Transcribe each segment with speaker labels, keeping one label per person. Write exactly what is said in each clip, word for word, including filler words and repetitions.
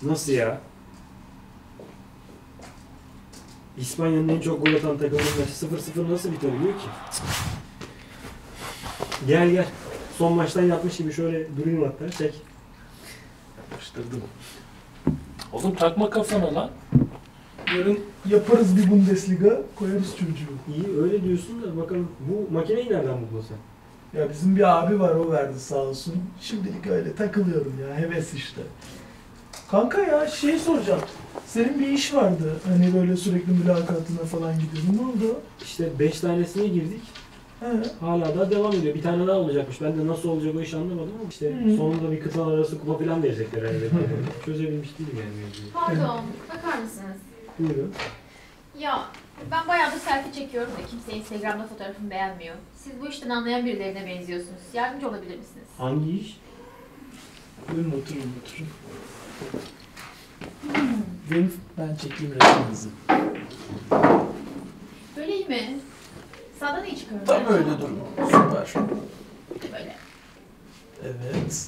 Speaker 1: Nasıl ya? İspanya'nın en çok gol atan takımının maçı sıfır sıfır nasıl bitebiliyor ki? Gel gel. Son maçtan yapmış gibi şöyle durayım hatta. Çek.
Speaker 2: Yapıştırdım. Oğlum takma kafana lan. Yarın yaparız bir Bundesliga, koyarız çocuğu.
Speaker 1: İyi öyle diyorsun da bakalım bu makineyi nereden buldun sen?
Speaker 2: Ya bizim bir abi var, o verdi sağ olsun. Şimdilik öyle takılıyorum ya, heves işte. Kanka ya şey soracağım. Senin bir iş vardı. Hani böyle sürekli mülakatına falan gidiyordun. Ne oldu?
Speaker 1: İşte beş tanesine girdik.
Speaker 2: He.
Speaker 1: Hala da devam ediyor. Bir tane daha olacakmış. Ben de nasıl olacak o iş anlamadım ama işte
Speaker 2: Hı.
Speaker 1: sonunda bir kıtalar arası kupa falan verecekler herhalde. Çözebilmiş değilim yani mevzuyu.
Speaker 3: Pardon, bakar mısınız?
Speaker 1: Buyurun.
Speaker 3: Ya ben bayağıdır selfie çekiyorum da kimse Instagram'da fotoğrafımı beğenmiyor. Siz bu işten anlayan birilerine benziyorsunuz. Yardımcı olabilir misiniz?
Speaker 1: Hangi iş?
Speaker 2: Buyurun oturun oturun. Benim, ben çekeyim resminizi.
Speaker 3: Böyle iyi mi? Sağdan iyi çıkıyorum.
Speaker 2: Tam öyle durun. Süper.
Speaker 3: Böyle.
Speaker 2: Evet.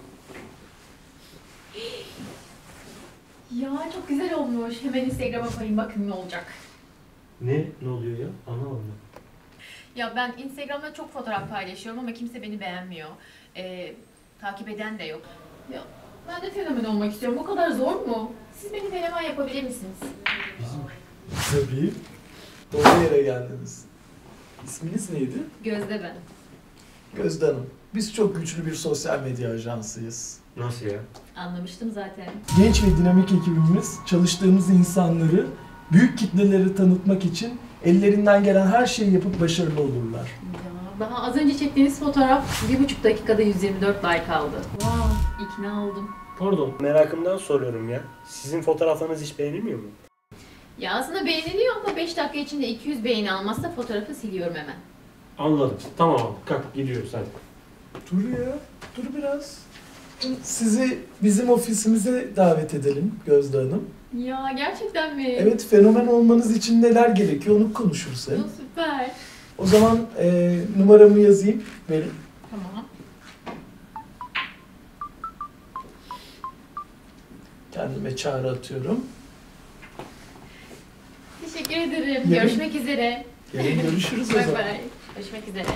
Speaker 3: Ya çok güzel olmuş. Hemen Instagram'a koyayım, bakın ne olacak.
Speaker 1: Ne? Ne oluyor ya? Anlamadım ben.
Speaker 3: Ya ben Instagram'da çok fotoğraf paylaşıyorum ama kimse beni beğenmiyor. Ee, takip eden de yok. Ya ben de fenomen olmak istiyorum. Bu kadar zor mu? Siz beni fenomen yapabilir misiniz?
Speaker 1: Bizim
Speaker 2: Tabii. Doğru yere geldiniz. İsminiz neydi?
Speaker 3: Gözde ben.
Speaker 2: Gözde Hanım. Biz çok güçlü bir sosyal medya ajansıyız.
Speaker 1: Nasıl ya?
Speaker 3: Anlamıştım zaten.
Speaker 2: Genç ve dinamik ekibimiz çalıştığımız insanları büyük kitleleri tanıtmak için ellerinden gelen her şeyi yapıp başarılı olurlar.
Speaker 3: Ya, daha az önce çektiğiniz fotoğraf bir buçuk dakikada yüz yirmi dört like aldı. Wow, ikna oldum.
Speaker 1: Pardon. Merakımdan soruyorum ya. Sizin fotoğraflarınız hiç beğenilmiyor mu?
Speaker 3: Ya aslında beğeniliyor ama beş dakika içinde iki yüz beğeni almazsa fotoğrafı siliyorum hemen.
Speaker 1: Anladım. Tamam abi. Kalk gidiyoruz hadi.
Speaker 2: Dur ya, dur biraz. Sizi bizim ofisimize davet edelim Gözde Hanım.
Speaker 3: Ya gerçekten mi?
Speaker 2: Evet, fenomen olmanız için neler gerekiyor onu konuşuruz hem.
Speaker 3: Ya, süper.
Speaker 2: O zaman e, numaramı yazayım, verin.
Speaker 3: Tamam.
Speaker 2: Kendime çağrı atıyorum.
Speaker 3: Teşekkür ederim.
Speaker 2: Yarın-
Speaker 3: Görüşmek üzere.
Speaker 2: Yarın görüşürüz o
Speaker 3: Bay
Speaker 2: zaman.
Speaker 3: bay. Görüşmek üzere.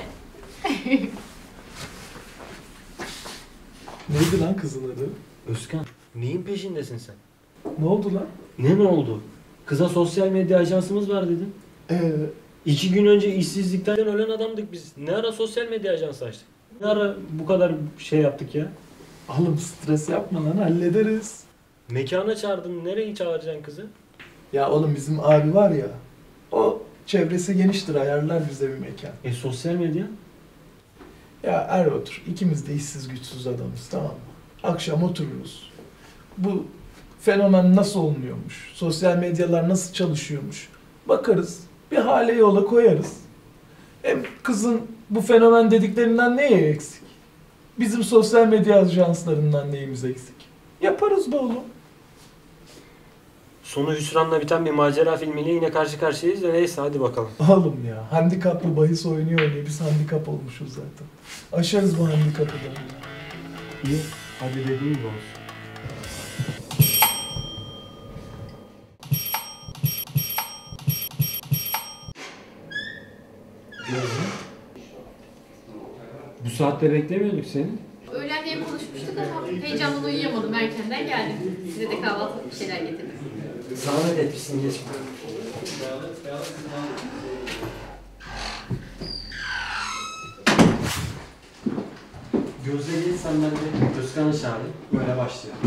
Speaker 2: Neydi lan kızın adı?
Speaker 1: Özkan. Neyin peşindesin sen?
Speaker 2: Ne oldu lan?
Speaker 1: Ne ne oldu? Kıza sosyal medya ajansımız var dedin.
Speaker 2: Ee,
Speaker 1: İki gün önce işsizlikten ölen adamdık biz. Ne ara sosyal medya ajansı açtık? Ne ara bu kadar şey yaptık ya?
Speaker 2: oğlum stres yapma lan, hallederiz.
Speaker 1: Mekana çağırdın. Nereye çağıracaksın kızı?
Speaker 2: Ya oğlum bizim abi var ya, o çevresi geniştir, ayarlar bize bir mekan.
Speaker 1: E sosyal medya?
Speaker 2: Ya er otur, ikimiz de işsiz güçsüz adamız, tamam mı? Akşam otururuz. Bu fenomen nasıl olmuyormuş, sosyal medyalar nasıl çalışıyormuş bakarız, bir hale yola koyarız. Hem kızın bu fenomen dediklerinden neye eksik? Bizim sosyal medya ajanslarından neyimiz eksik? Yaparız be oğlum.
Speaker 1: Sonu hüsranla biten bir macera filmiyle yine karşı karşıyayız da neyse hadi bakalım.
Speaker 2: Oğlum ya, handikaplı bahis oynuyor diye biz handikap olmuşuz zaten. Aşarız bu handikapı da.
Speaker 1: İyi. Hadi dediğin gibi olsun. Bu saatte beklemiyorduk seni.
Speaker 3: Öğlen diye konuşmuştuk ama heyecandan uyuyamadım. Erkenden geldim. Size de kahvaltılık bir şeyler getirdim.
Speaker 1: Zahmet etmişsin geç. Gözde geç sen ben de Özkan'ı çağırayım. Böyle başlayalım.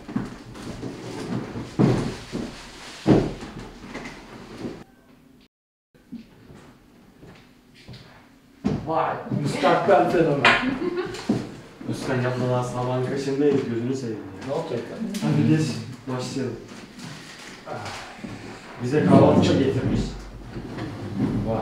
Speaker 2: Vay, müstakbel fenomen.
Speaker 1: Özkan yapma daha sabahın kaşındayız gözünü seveyim ya.
Speaker 2: Ne olacak lan?
Speaker 1: Hadi geç başlayalım. Bize kahvaltı getirmiş. Vay.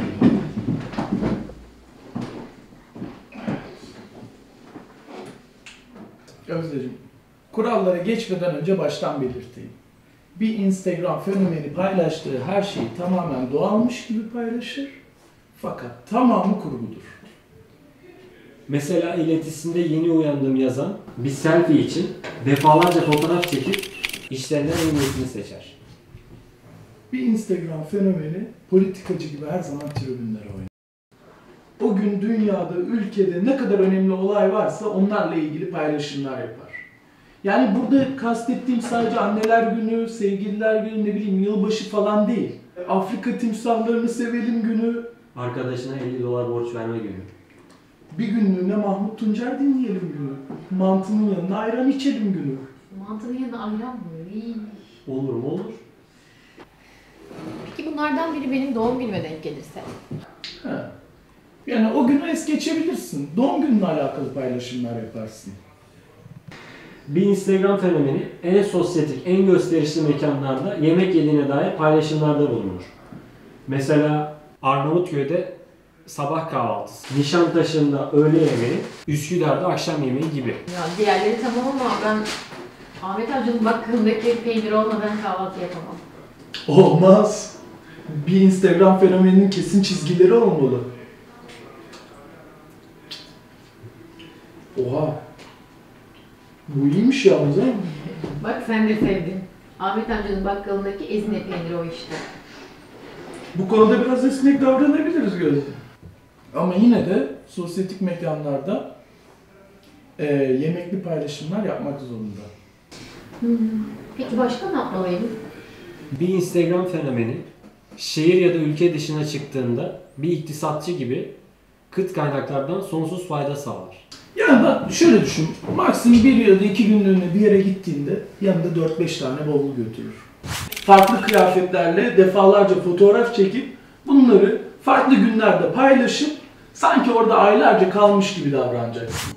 Speaker 2: Gözdeciğim, kurallara geçmeden önce baştan belirteyim. Bir Instagram fenomeni paylaştığı her şeyi tamamen doğalmış gibi paylaşır. Fakat tamamı kurgudur.
Speaker 1: Mesela iletisinde yeni uyandım yazan bir selfie için defalarca fotoğraf çekip işlerinden en iyisini seçer.
Speaker 2: Bir Instagram fenomeni politikacı gibi her zaman tribünlere oynar. O gün dünyada, ülkede ne kadar önemli olay varsa onlarla ilgili paylaşımlar yapar. Yani burada kastettiğim sadece anneler günü, sevgililer günü, ne bileyim yılbaşı falan değil. Afrika timsahlarını sevelim günü,
Speaker 1: Arkadaşına elli dolar borç verme günü.
Speaker 2: bir günlüğüne Mahmut Tuncer dinleyelim günü, mantının yanına ayran içelim günü.
Speaker 3: Mantının yanına ayran mı? İyi.
Speaker 1: Olur mu? Olur.
Speaker 3: Peki bunlardan biri benim doğum günüme denk gelirse?
Speaker 2: Ha. Yani o günü es geçebilirsin. Doğum gününle alakalı paylaşımlar yaparsın.
Speaker 1: Bir Instagram fenomeni en sosyetik, en gösterişli mekanlarda yemek yediğine dair paylaşımlarda bulunur. Mesela Arnavutköy'de sabah kahvaltısı, Nişantaşı'nda öğle yemeği, Üsküdar'da akşam yemeği gibi.
Speaker 3: Ya diğerleri tamam ama ben Ahmet amcanın bakkalındaki peynir olmadan kahvaltı yapamam.
Speaker 2: Olmaz. Bir Instagram fenomeninin kesin çizgileri olmalı. Oha. Bu iyiymiş yalnız ha.
Speaker 3: Bak sen de sevdin. Ahmet amcanın bakkalındaki ezine peyniri o işte.
Speaker 2: Bu konuda biraz esnek davranabiliriz Gözde. Ama yine de sosyetik mekanlarda e, yemekli paylaşımlar yapmak zorunda.
Speaker 3: Hmm. Peki başka ne yapmalıyım?
Speaker 1: Bir Instagram fenomeni şehir ya da ülke dışına çıktığında bir iktisatçı gibi kıt kaynaklardan sonsuz fayda sağlar.
Speaker 2: Yani bak şöyle düşün, maksimum bir ya da iki günlüğüne bir yere gittiğinde yanında dört beş tane bavul götürür. Farklı kıyafetlerle defalarca fotoğraf çekip bunları farklı günlerde paylaşıp sanki orada aylarca kalmış gibi davranacaksın.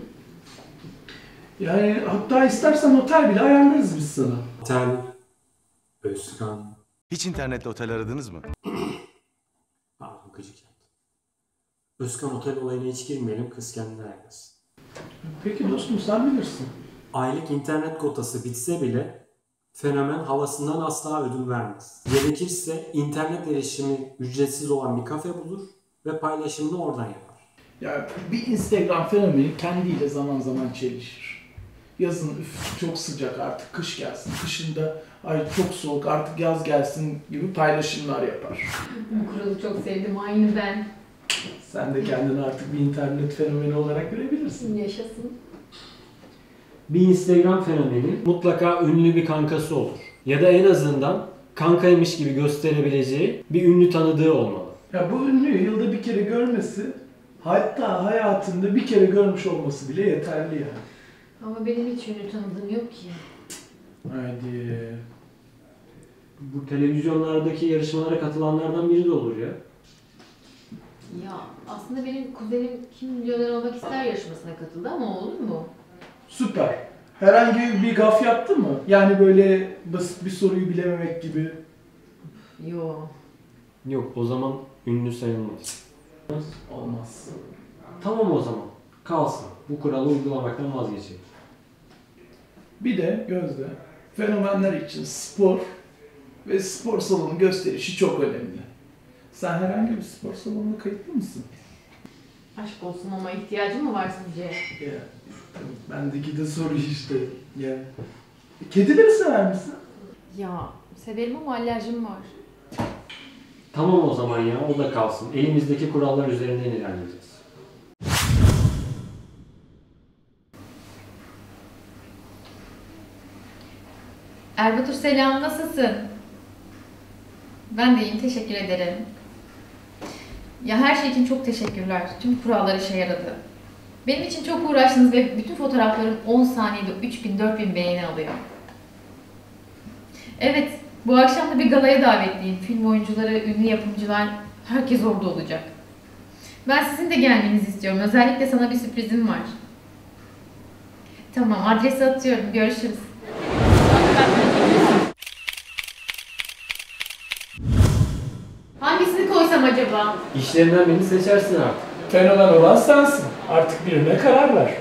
Speaker 2: Yani hatta istersen otel bile ayarlarız biz sana.
Speaker 1: Otel, Özkan,
Speaker 4: Hiç internette otel aradınız mı?
Speaker 1: pardon gıcık yaptım. Özkan otel olayına hiç girmeyelim, kız kendine ayarlasın.
Speaker 2: Peki dostum sen bilirsin.
Speaker 1: Aylık internet kotası bitse bile fenomen havasından asla ödün vermez. Gerekirse internet erişimi ücretsiz olan bir kafe bulur ve paylaşımını oradan yapar.
Speaker 2: Ya bir Instagram fenomeni kendiyle zaman zaman çelişir. Yazın üf çok sıcak artık kış gelsin, kışında ay çok soğuk artık yaz gelsin gibi paylaşımlar yapar.
Speaker 3: Bu kuralı çok sevdim, aynı ben.
Speaker 2: Sen de kendini artık bir internet fenomeni olarak görebilirsin.
Speaker 3: Yaşasın.
Speaker 1: Bir Instagram fenomeni mutlaka ünlü bir kankası olur. Ya da en azından kankaymış gibi gösterebileceği bir ünlü tanıdığı olmalı.
Speaker 2: Ya bu ünlüyü yılda bir kere görmesi, hatta hayatında bir kere görmüş olması bile yeterli yani.
Speaker 3: Ama benim hiç ünlü tanıdığım yok ki.
Speaker 2: Haydi.
Speaker 1: Bu televizyonlardaki yarışmalara katılanlardan biri de olur ya.
Speaker 3: Ya aslında benim kuzenim Kim Milyoner Olmak İster yarışmasına katıldı ama olur mu?
Speaker 2: Süper. Herhangi bir gaf yaptı mı? Yani böyle basit bir soruyu bilememek gibi.
Speaker 3: Yo.
Speaker 1: Yok, o zaman ünlü sayılmaz.
Speaker 2: Olmaz.
Speaker 1: Tamam o zaman. Kalsın. Bu kuralı uygulamaktan vazgeçelim.
Speaker 2: Bir de Gözde, fenomenler için spor ve spor salonu gösterişi çok önemli. Sen herhangi bir spor salonuna kayıtlı mısın?
Speaker 3: Aşk olsun ama ihtiyacın mı var sizce?
Speaker 2: Ya, bendeki de soru işte. Ya. Kedileri sever misin?
Speaker 3: Ya severim ama alerjim var.
Speaker 1: Tamam o zaman ya, o da kalsın. Elimizdeki kurallar üzerinden ilerleyeceğiz.
Speaker 3: Erbatur selam, nasılsın? Ben de iyiyim, teşekkür ederim. Ya her şey için çok teşekkürler. Tüm kurallar işe yaradı. Benim için çok uğraştınız ve bütün fotoğraflarım on saniyede üç bin dört bin beğeni alıyor. Evet, bu akşam da bir galaya davetliyim. Film oyuncuları, ünlü yapımcılar, herkes orada olacak. Ben sizin de gelmenizi istiyorum. Özellikle sana bir sürprizim var. Tamam, adresi atıyorum. Görüşürüz. Hangisini koysam acaba?
Speaker 1: İşlerinden birini seçersin artık.
Speaker 2: Fenomen olan sensin. Artık birine karar ver.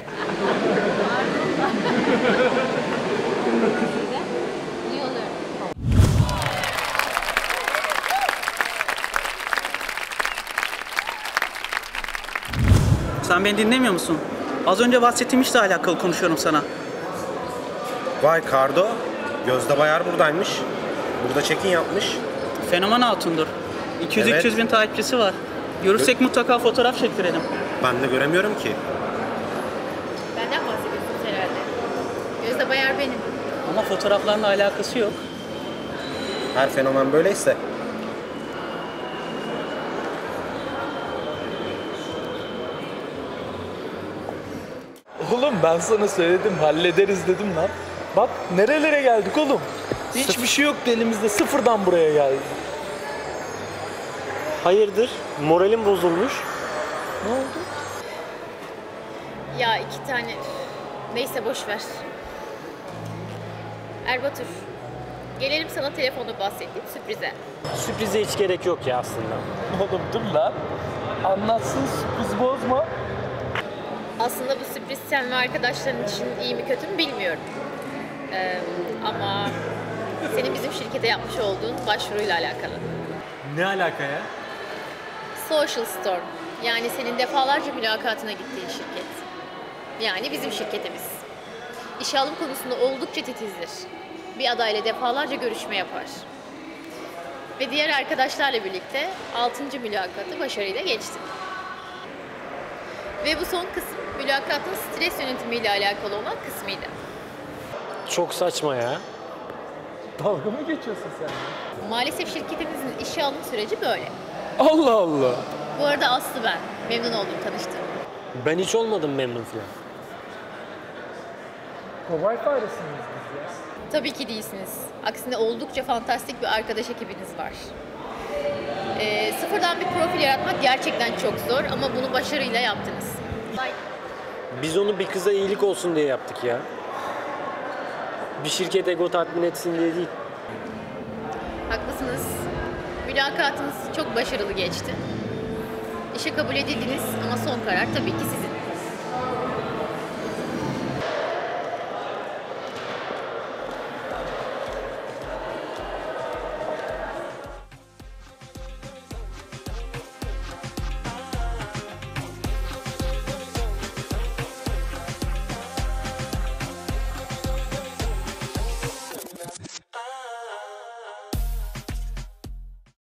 Speaker 5: Sen beni dinlemiyor musun? Az önce bahsettiğim işle alakalı konuşuyorum sana.
Speaker 6: Vay Kardo, Gözde Bayar buradaymış. Burada check-in yapmış.
Speaker 5: Fenomen hatundur. iki yüz üç yüz
Speaker 6: Evet.
Speaker 5: bin takipçisi var. Görürsek mutlaka fotoğraf çektirelim.
Speaker 6: Ben de göremiyorum ki.
Speaker 3: Benden bahsediyorsunuz herhalde. Gözde Bayar benim.
Speaker 5: Ama fotoğraflarla alakası yok.
Speaker 6: Her fenomen böyleyse.
Speaker 2: Oğlum ben sana söyledim, hallederiz dedim lan. Bak nerelere geldik oğlum. Hiçbir şey yoktu elimizde, sıfırdan buraya geldik.
Speaker 1: Hayırdır? Moralim bozulmuş.
Speaker 2: Ne oldu?
Speaker 3: Ya iki tane... Neyse boş ver. Erbatur, gelelim sana telefonda bahsettiğim sürprize.
Speaker 1: Sürprize hiç gerek yok ya aslında.
Speaker 2: Oğlum dur lan. Anlatsın, sürpriz bozma.
Speaker 3: Aslında bu sürpriz sen ve arkadaşların için iyi mi kötü mü bilmiyorum. Ee, ama senin bizim şirkete yapmış olduğun başvuruyla alakalı.
Speaker 1: Ne alaka ya?
Speaker 3: Social Storm, yani senin defalarca mülakatına gittiğin şirket. Yani bizim şirketimiz. İşe alım konusunda oldukça titizdir. Bir adayla defalarca görüşme yapar. Ve diğer arkadaşlarla birlikte altıncı mülakatı başarıyla geçti. Ve bu son kısım mülakatın stres yönetimiyle alakalı olan kısmıydı.
Speaker 1: Çok saçma ya.
Speaker 2: Dalga mı geçiyorsun sen?
Speaker 3: Maalesef şirketimizin işe alım süreci böyle.
Speaker 2: Allah Allah.
Speaker 3: Bu arada Aslı ben. Memnun oldum tanıştığım.
Speaker 1: Ben hiç olmadım memnun falan.
Speaker 2: Kobay faresiniz biz ya.
Speaker 3: Tabii ki değilsiniz. Aksine oldukça fantastik bir arkadaş ekibiniz var. Ee, sıfırdan bir profil yaratmak gerçekten çok zor ama bunu başarıyla yaptınız.
Speaker 1: Biz onu bir kıza iyilik olsun diye yaptık ya. Bir şirket ego tatmin etsin diye değil.
Speaker 3: Haklısınız. Mülakatınız çok başarılı geçti. İşe kabul edildiniz ama son karar tabii ki sizin.